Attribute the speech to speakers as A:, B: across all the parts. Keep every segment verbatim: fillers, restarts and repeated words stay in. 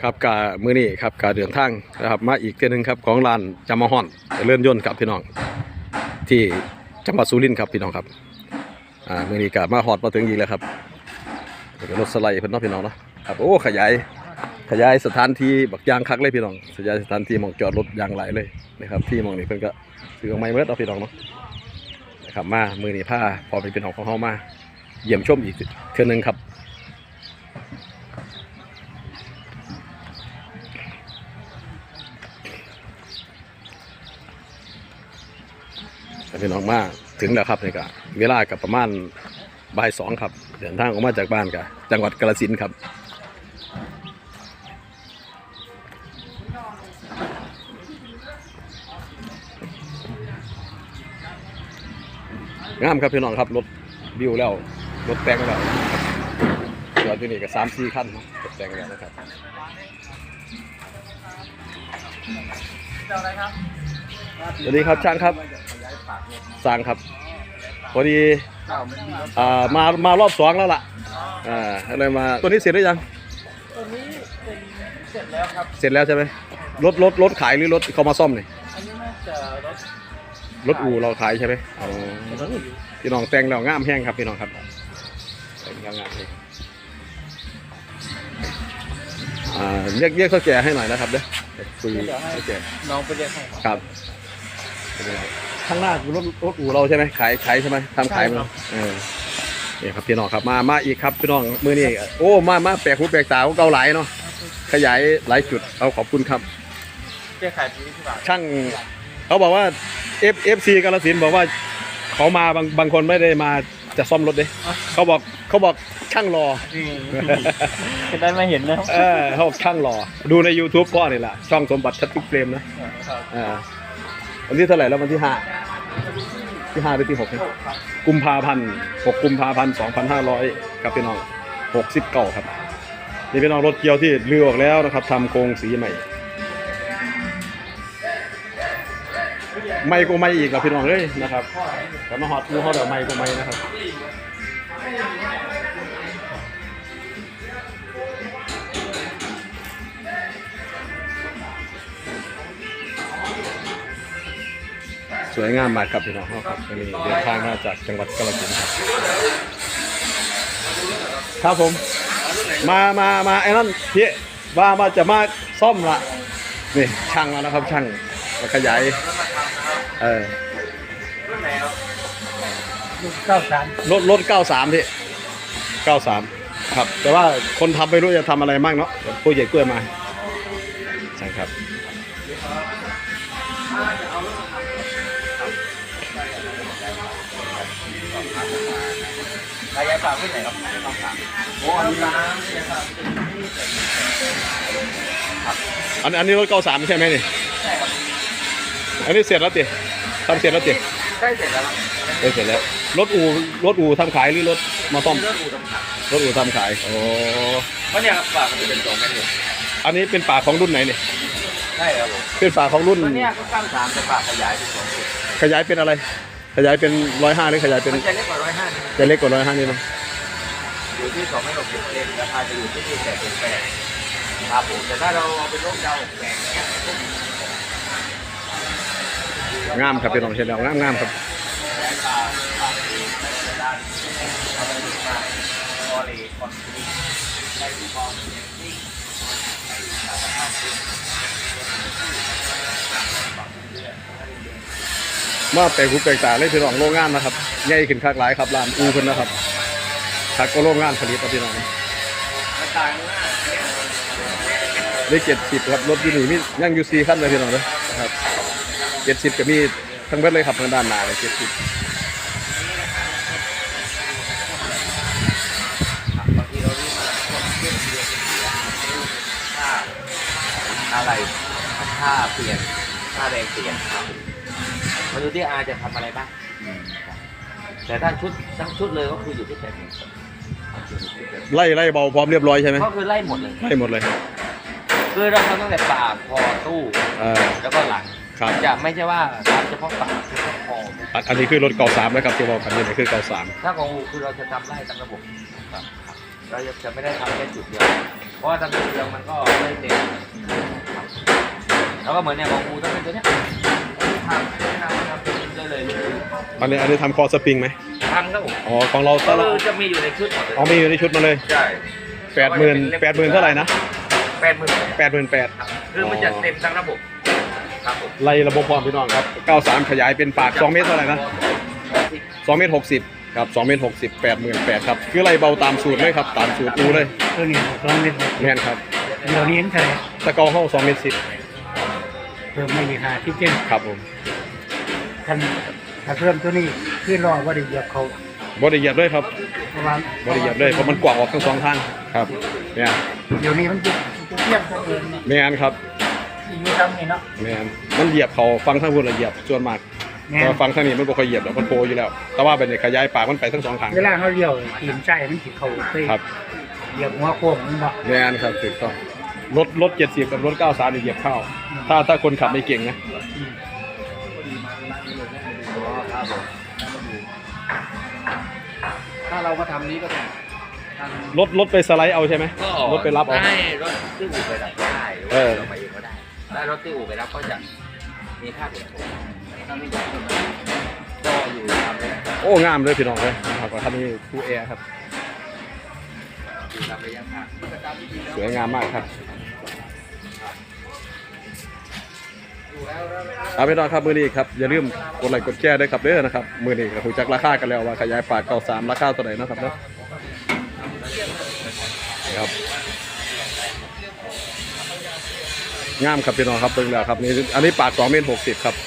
A: ครับกามือนี้ครับกาเดินทางนะครับมาอีกเที่ยนึงครับของร้านจำมาฮอนเลื่อนยนต์ครับพี่น้องที่จังหวัดสุรินทร์ครับพี่น้องครับอ่ามือนี้กามาฮอดมาถึงอีกแล้วครับรถสไลด์เพิ่นเนาะพี่น้องเนาะครับโอ้ขยายขยายสถานที่บักยางคักเลยพี่น้องขยายสถานที่มองจอดรถยางหลายเลยนะครับที่มองนี้เพิ่นก็ซื้อออกมาเมื่อเอาพี่น้องเนาะนะครับมามือนี้ผ้าพอเป็นพี่น้องของเฮามาเยี่ยมชมอีกเที่ยนึงครับพี่น้องมาถึงแล้วครับนี่ก็เวลากับประมาณบ่ายสองครับเดินทางออกมาจากบ้านกับจังหวัดกาฬสินธุ์ครับงามครับพี่น้องครับรถบิวแล้วรถแต่งแล้วจอดที่นี่ก็สามสี่คันรถแต่งแล้วนะครับสวัสดีครับช่างครับสั่งครับพอดีอ่ามามารอบสองแล้วล่ะอ่าอะไรมาตัวนี้เสร็จหรือยัง
B: ตัวนี้เป็นเสร็จแล้วครับ
A: เสร็จแล้วใช่ไหมรถรถรถขายหรือรถเขามาซ่อมนี่
B: อันนี้น่าจะรถ
A: รถอู่เราขายใช่ไหมอ๋อพี่น้องแต่งแล้วงามแห้งครับพี่น้องครับแต่งแล้วงามเลยอ่าเรียกเรียกเขาแก่ให้หน่อยนะครับเด้อคุยให้แก่
B: น้องไปเรียกให้
A: ครับข้างหน้าคือรถรถอู่เราใช่ไหมขายขายใช่ไหมทำขายมั้ยเออนี่ครับพี่น้องครับมามาอีกครับพี่น้องมือนี่โอ้มามาแปลกหูแปลกตาเก่าหลายเนาะขยายหลายจุดเอาขอบคุณครับ
B: แก้ไขที่ที่บ้าน
A: ช่างเขาบอกว่า F F C กาฬสินธุ์บอกว่าเขามาบางบางคนไม่ได้มาจะซ่อมรถเด้เขาบอกเขาบอกช่างรอ
B: จะได้มาเห็นนะ
A: เออเขาบอกช่างรอดูใน YouTube พ่อนี่แหละช่องสมบัติชัดทุกเฟรมนะอ่าวันที่เท่าไหร่แล้ววันที่ห้าที่ห้าหรือที่หกกุมภาพันธ์หกกุมภาพันธ์สองพันห้าร้อยครับพี่น้องหกสิบเก้าครับนี่พี่น้องรถเกียวที่ลื้อออกแล้วนะครับทำโครงสีใหม่ไม่ก็ไม่อีกครับพี่น้องเลยนะครับแต่มาฮอตมูเขาเดี๋ยวไม่ก็ไม่นะครับสวยงามมากครับพี่น้องครับวันนี้เดินทางมาจากจังหวัดกาฬสินธุ์ครับครับผมมามามาไอ้นั่นพี่ว่ามาจะมาซ่อมละนี่ช่างแล้วนะครับช่างมาขยายเออ
B: เก้าสาม
A: รถรถเก้าสามพี่เก้าสามครับแต่ว่าคนทำไม่รู้จะทำอะไรมั่งเนาะผู้ใหญ่กล้วยมาใช่ครับ
B: ขยายฝากที่ไหนครับต้องถามโอ้อันนี้ร้านนี่ครับ
A: อันอันนี้รถเก้าสามใช่ไหมนี่
B: ใช่ครับ
A: อันนี้เสร็จแล้วติทำเสร็จแล้วติ
B: ใกล้เสร็จแล้วครับ
A: ใกล้เสร็จแล้วรถอู่รถอู่ทำขายหรือรถมาซ่อม
B: รถอู่ทำขาย
A: รถอู่ทำขายโอ้
B: เพราะเนี่ยครับฝากมันจะเป็นสองแม่เนี่ย
A: อันนี้เป็นฝาของรุ่นไหนเนี่ย
B: ใช่ครับผม
A: เป็นฝาของรุ่น
B: ตัวนี้ก็ตั้งสามแต่ฝาขยายเป็นสองจุด
A: ขยายเป็นอะไรขยายเป็นร้อยห้าหรือขยายเป็น
B: จะเล็กกว่าร้อยห้า
A: จะเล็กกว่าร้อยห้านี่มั้ย
B: อยู่ที่สองไม่หกสิบเลนราคาจะอยู่ที่ที่แปดสิบแปดครับผมแต่ถ้าเราเอาเป็นรถยาวแปดเนี้ย
A: งามครับเป็นของเชนแล้วงามงามครับมาแปลกหูแปลกตาเลยพี่น้องโรงงานนะครับใหญ่ขึ้นคักหลายครับร้านอูเพิ่นนะครับคักก็โรงงานผลิตครับพี่น้องได้เจ็ดสิบครับรถยูนี่มียังยูซีขั้นเลยพี่น้องเลยนะครับเจ็ดสิบก็มีทั้งเบิดเลยครับทางด้านหน้าเลยเจ็ดสิบ
B: อะไรค่าเปลี่ยนค่าแรงเปลี่ยนครับมาดูที่อาจะทำอะไรบ้างแต่ถ้าชุดทั้งชุดเลยก็คืออยู่ที่แปดหมื่น
A: ไล่ไล่เบาพร้อมเรียบร้อยใช่ไหม
B: ก็คือไล่หมดเลย
A: ไล่หมดเลย
B: คือเราทำตั้งแต่ปากคอตู้แล้วก็หลังจะไม่ใช่ว่าทำเฉพาะปากเฉพาะคอ
A: อันนี้คือรถเก่าสามนะครับที่บอกกันนี่คือเก่าสาม
B: ถ้าของอูคือเราจะทำไล่ตามระบบครับเราจะไม่ได้ทำแค่จุดเดียวเพราะว่าทำจุดเดียวมันก็ไม่เต็มแล้วก็เหมือนเนี่ยของกูต้องเป็นตัวเนี้ยทำทำทำเป็นได้เลย
A: อันนี้อันนี้ทำคอสปริงไหม
B: ทำครับผม
A: อ๋อของเราต
B: ก็
A: ลอด
B: จะมีอยู่ในชุดหมดเลย
A: อ๋อมีอยู่ในชุดมาเลย
B: ใช่
A: แปดหมื่นแปดหมื่นเท่าไหร่นะ
B: แปดหมื่น
A: แปดหมื่นแปด
B: คือมันจะเต็มทั้งระบบครับผม
A: ไล่ระบบความพี่น้องครับเก้าสามขยายเป็นปากสองเมตรเท่าไหร่นะสองเมตรหกสิบครับสองเมตรหกสิบแปดหมื่นแปดครับคือไล่เบาตามสูตรเลยครับตามสูตรอูเลย
C: ตัวนี้สองเมตร
A: แม่นครับ
C: เดี๋ยวนี้เห็นเท่าไหร่
A: ตะเกาเข้าสองเมตรสิบ
C: เพิ่มไม่มีค่าที่เจ้น
A: ครับผม
C: ท่านถ้าเพิ่มตัวนี้ขึ้นรอว่าได้เหยียบเขา
A: บริเหยียบด้วยครับ
C: ประมาณ
A: บริเหยียบด้วยเพราะมันกว้างออกทั้งสองทางครับเนี่ย
C: เดี๋ยวนี้มันจะจะเทียบกันเอง
A: แม่นครับ
C: ที่อยู่ทำนี่เนาะ
A: แม่นมันเหยียบเขาฟังทั้งบนละเหยียบส่วนมาก
C: แม่
A: แต่ฟังทางนี้มันบ่ค่อยเหยียบหรอกมันโผล่อยู่แล้ว แต่ว่าเป็นขยายปากมันไปทั้งสองทาง
C: เวลาเขาเลี้ยวตีนใจมันสิเขาไป
A: ครับ
C: เหยียบหัวโค้งมันบ่
A: แม่นครับถูกต้องรถรถเจ็ดสิบกับรถเก้าสามเหยียบเข้า ถ้าถ้าคนขับไม่เก่งนะ
C: อืม
D: ถ้าเรามาทำนี้ก็ต้องท
A: รถรถไปสไลด์เอาใช่ไหม
B: ก็
A: รถไปรับเอา
B: ได้รถที่อู่ไปรับก็ได้หรือ
A: เอ
B: ว่า
A: อ
B: เราไปเองก็ได้ถ้ารถที่อู่ไปรับก็จะมีค่าเปลี่ยนผม
D: ำถ้าไม่อยากจะมาก็อยู่ตามเลยนะ
A: โอ้งามเลยพี่น้องเลยนะครับว่าท่านนี้คูแอร์ครับ
B: อยู่ตามระยะทาง
A: สวยงามมากครับเอาไปนอนครับมือนี้ครับอย่าลืมกดไลค์กดแชร์ด้วยครับเด้อนะครับมือนี้ก็ถูกจักราคากันแล้วว่าขยายปากเก้าสามราคาเท่าไหร่นะครับเนาะครับงามครับพี่น้องครับเบิ่งแล้วครับนี่อันนี้ปากสองเมตรหกสิบครับ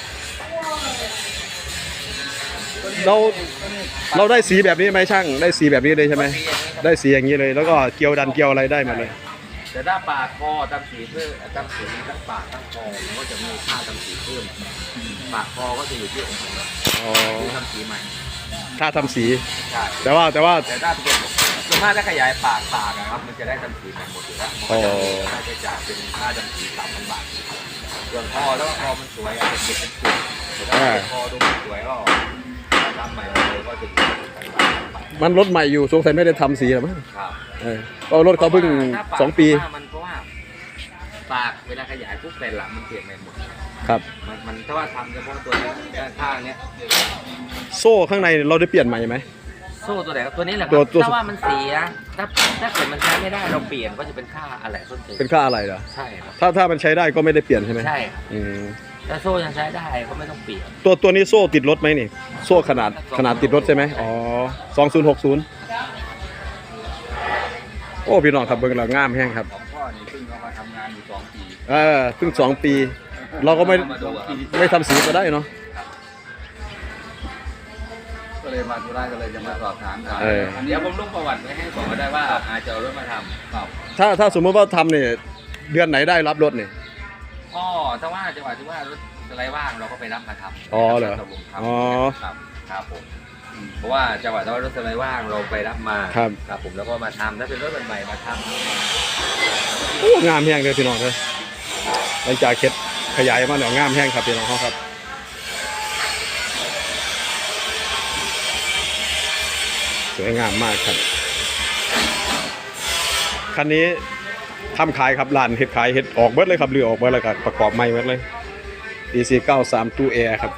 A: เราเราได้สีแบบนี้ไหมช่างได้สีแบบนี้เลยใช่ไหมได้สีอย่างนี้เลย แล้วก็เกลียวดันเกลียวอะไรได้หมาเลย
B: แต่ถ้าปากคอตำสีเพิ่มตำสีทั้งปากทั้งคอมันก็จะมีค่าตำสีเพิ่มปากคอก็จะอยู่ที่องค์ประกอบ
A: อ๋อ
B: คือทำสีใหม่
A: ถ้าทำสี
B: ใช่
A: แต่ว่าแต่ว่า
B: แต่ถ้าเป็นส่วนมากถ้าขยายปากปากอะครับมันจะได้ทำสีใหม่หมดอยู่แล้วมันก็จะมีค่าใช้จ่ายเป็นค่าทำสีสามพันบาทส่วนคอแล้วคอมันสวยอาจจะเก็บเป็นจุดแต่ถ้าเป็นคอดูสวยก็ทำใหม่เลยก็จะอยู่ที่สองพันบาท
A: มันรถใหม่อยู่สงสัยไม่ได้ทำสีหรอมั้ง
B: ครับ
A: เออเพราะรถเขาเพิ่ง
B: ถ้าปาก
A: สองปี
B: มันเพราะว่าปากเวลาขยายปุ๊บแต่หลังมันเปลี่ยนใหม่หมด
A: ครับ
B: มันมันถ้าว่าทำเฉพาะตัวนี้ด้านข้างเนี้ย
A: โซ่ข้างในเราได้เปลี่ยนใหม่ไหม
B: โซ่ตัวไหนครับตัวนี้แหละค
A: ตั
B: รั
A: ว
B: บ
A: ตัว
B: ถ้าว่ามันเสียถ้าถ้าเกิดมันใช้ไม่ได้เราเปลี่ยนก็จะเป็นค่าอะไรต้นทุน
A: เป็นค่าอะไรเหรอ
B: ใช่ครับ
A: ถ้าถ้ามันใช้ได้ก็ไม่ได้เปลี่ยนใช่ไหม
B: ใช่ครับ
A: อืม
B: ถ้าโซ่ยังใช้ได้ก็ไม่ต้องเปลี่ยน
A: ตัวตัวนี้โซ่ติดรถไหมนี่ โซ่ขนาดขนาดติดรถใช่ไหมอ๋อสองศูนย์หกศูนย์โอ้พี่น้องครับเบิ่งแล้วงามแห้งครับ
D: ของพ่อนี่เพิ่งเอามาทำงานอยู่สองปี
A: เออเพิ่งสองปี เราก็ไม่
D: มาดูอะครับ
A: ไม่ทำสีก็ได้เนาะ
D: ก็เลยมาธุระก็เลยจะมาสอบถามกัน
A: เออ
D: อันนี้
B: เดี๋ยวผมลงประวัติไว้ให้บอกก็ได้ว่าอาจจะเอารถมาทำ
D: ครับ
A: ถ้าถ้าสมมติว่าทำเนี่ยเดือนไหนได้รับรถเนี่ย
B: ก็ถ้าว่าจังหวะที่ว่ารถอะไรว่างเราก็ไปรับมาทำ
A: อ๋อเหรอ
B: ตกลงทำ
A: อ๋อ
B: ครับครับผมเพราะว่าจังหวะที่ว่ารถอะไรว่างเราไปรับมา
A: ครับ
B: ครับผมแล้วก็มาทำถ้าเป็นรถใหม่ๆมาทำ
A: โอ้งามแห้งเลยพี่น้องเลยหลังจากเข็ดขยายมาเนี่ยงามแห้งครับพี่น้องเขาครับสวยงามมากครับคันนี้ทำขายครับร้านเฮ็ดขายเฮ็ดออกเบิดเลยครับเรือออกเบิดเลยครับประกอบใหม่เบิดเลย ดี ซี เก้าสาม ตู้แอร์ครับ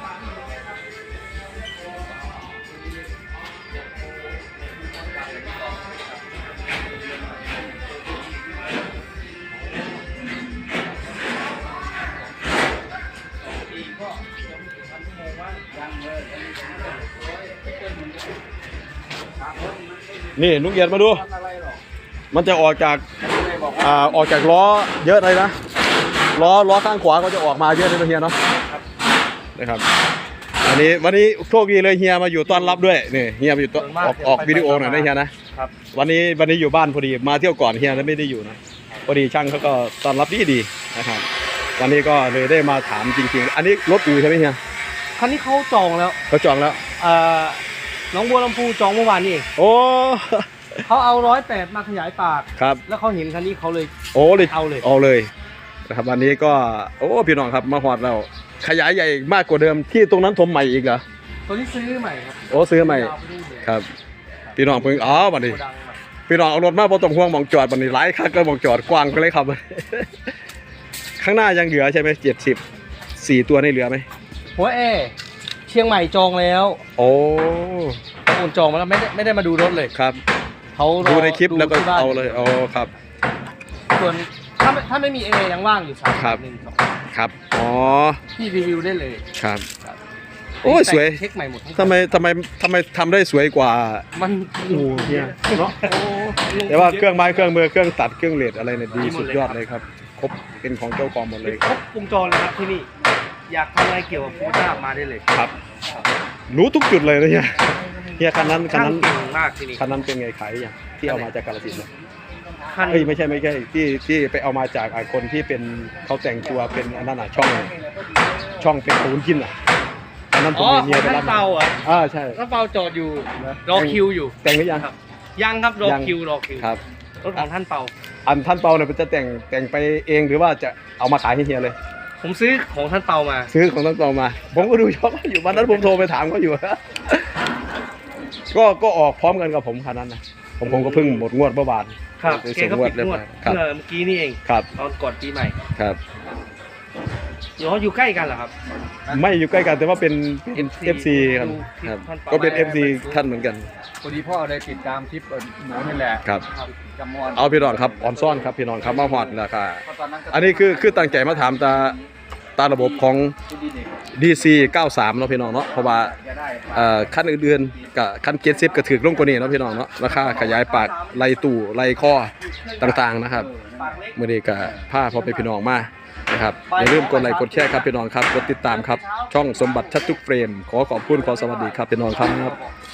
A: นี่ลุงเอียดมาดู มันจะออกจากอ่าออกจากล้อเยอะเลยนะล้อล้อข้างขวาก็จะออกมาเยอะเลยนะเฮียเนาะนะครับอันนี้วันนี้โชคดีเลยเฮียมาอยู่ต้อนรับด้วยนี่เฮียมาอยู่ต้อนออกออกวิดีโอหน่อยนะเฮียนะครับวันนี้วันนี้อยู่บ้านพอดีมาเที่ยวก่อนเฮียแล้วไม่ได้อยู่นะพอดีช่างเขาก็ต้อนรับดีดีนะครับวันนี้ก็เลยได้มาถามจริงๆอันนี้รถอู่ใช่ไหมเฮีย
C: คันนี้เขาจองแล้ว
A: เขาจองแล้ว
C: เอ่อน้องบัวลำพูจองเมื่อวานนี่เอง
A: โอ้
C: เขาเอาร้อยแปดมาขยายปาก
A: ครับ
C: แล้วเขาเห็นคันนี้เขาเลย
A: โอ้เลย
C: เอาเลย
A: เอาเลยนะครับวันนี้ก็โอ้พี่น้องครับมาฮอดเราขยายใหญ่มากกว่าเดิมที่ตรงนั้นถมใหม่อีกเหรอ
C: ตัวนี้ซื้อใหม่ครับ
A: โอ้ซื้อใหม่
C: ยาวไปนู่นเลย
A: ครับพี่น้องเพิ่งอ๋อวันนี้
C: โกดังใหม่
A: พี่น้องเอารถมาบ่ต้องห่วงหมองจอดบัดนี้หลายคักก็หมองจอดกว้างไปเลยครับ ข้างหน้ายังเหลือใช่ไหมเจ็ดสิบสี่ตัวนี่เหลือไหม
E: หัวเอเชียงใหม่จองแล้ว
A: โอ้
E: โอนจองมาแล้วไม่ได้ไม่ได้มาดูรถเลย
A: ครับ
E: เขารอ
A: ดูในคลิปแล้วก็
E: ที่บ้น
A: เอาเลยอ๋อครับ
E: ส่วนถ้าไม่ถ้าไม่มีเอยังว่างอยู่สาม
A: ครับ
E: หนึ่งสอง
A: ครับอ๋อ
E: พี่รีวิวได้เลย
A: ครับ
E: ครับ
A: โอ้ยสวย
E: เช็คใหม่หมดทั้ง
A: ทำไมทำไมทำไมทำได้สวยกว่า
E: มัน
A: โอ้เนี่ยเนาะ
E: โอ้
A: แต่ว่าเครื่องไม้เครื่องมือเครื่องตัดเครื่องเลดอะไรเนี่ยดีสุดยอดเลยครับครบเป็นของเจ้าของหมดเลย
E: ครบวงจรเลยครับที่นี่อยากทำอะไรเกี่ยวกับโฟต้ามาได้เลย
A: ครับรู้ทุกจุดเลยนะเนี่ยเฮียคันนั้นคัน
E: ช่าง
A: นั้น
E: เก่งมากที่นี่
A: คันนั้นเป็นไงขายยังที่เอามาจากกาฬสินธุ์เนี่ย
E: คัน
A: เอ้ยไม่ใช่ไม่ใช่ที่ที่ไปเอามาจากไอ้คนที่เป็นเขาแต่งตัวเป็นอันนั้นอ่ะช่องช่องเป็นปูนกินอ่ะอันนั้นผม
E: อ๋อ
A: เมีย
E: ของ
A: ไป
E: ท่า
A: รับ
E: น
A: มา
E: เปาอ่ะ
A: อ่าใช่
E: ท่านเปาจอดอยู่รอคิวอยู่
A: แต่งหรือยัง
E: ครับยังครับรอ
A: ยัง
E: คิวรอคิว
A: ครับ
E: รถของท่านเปา
A: อันท่านเปาเนี่ยจะแต่งแต่งไปเองหรือว่าจะเอามาขายให้เฮียเลย
E: ผมซื้อของท่านเปามา
A: ซื้อของท่านเปามา ผมก็ดูชอบอยู่วันนั้นผมโทรไปถามเขาอยู่ ก็ก็ออกพร้อมกันกับผมคันนั้นนะผมผมก็เพิ่งหมดงวดเมื่อวาน
E: ครับ
A: ไป
E: แก
A: ส่ง
E: ก็
A: งวด
E: ปิด
A: เรียบ
E: งว
A: ร้
E: ด
A: อยครับ
E: เมื่อเมื่อกี้นี่เอง
A: ครับ
E: ตอนก่อนปีใหม่
A: ครับ
E: เดี๋ยวเขาอยู่ใกล้กันเหรอครับ
A: ไม่อยู่ใกล้กันแต่ว่าเป็น
E: เอฟซี
A: เอฟซีครับ
E: ดูคลิป
A: ครับ
E: ท่านเปา
A: ก็เป็น เอฟซี ท่านเหมือนกัน
D: พอดีพ่อได้ติดตามคลิปเอ่อหนูนี่แหละ
A: ครับ
D: จำมอน
A: เอาพี่น้องครับออนซ่อนครับพี่น้องครับมาฮอดราคา
D: เพราะตอนนั้นก็
A: อันนี้คือคือตั้งใจมาถามตาตาระบบของ
D: ที่ดีเด็ก
A: ดี ซี เก้าสิบสามเนาะพี่น้องเนาะเพราะว่า
D: จะได้
A: เอ่อคันอื่นๆกับคันเจ็ดสิบก็ถือลงกว่านี้เนาะพี่น้องเนาะราคาขยายปากไล่ตู้ไล่ข้อต่างๆนะครับมื้อนี้ก็พาพ่อไปพี่น้องมานะครับอย่าลืมกดไลค์กดแชร์ครับพี่น้องครับกดติดตามครับช่องสมบัติชัดทุกเฟรมขอขอบคุณขอสวัสดีครับพี่น้องครับ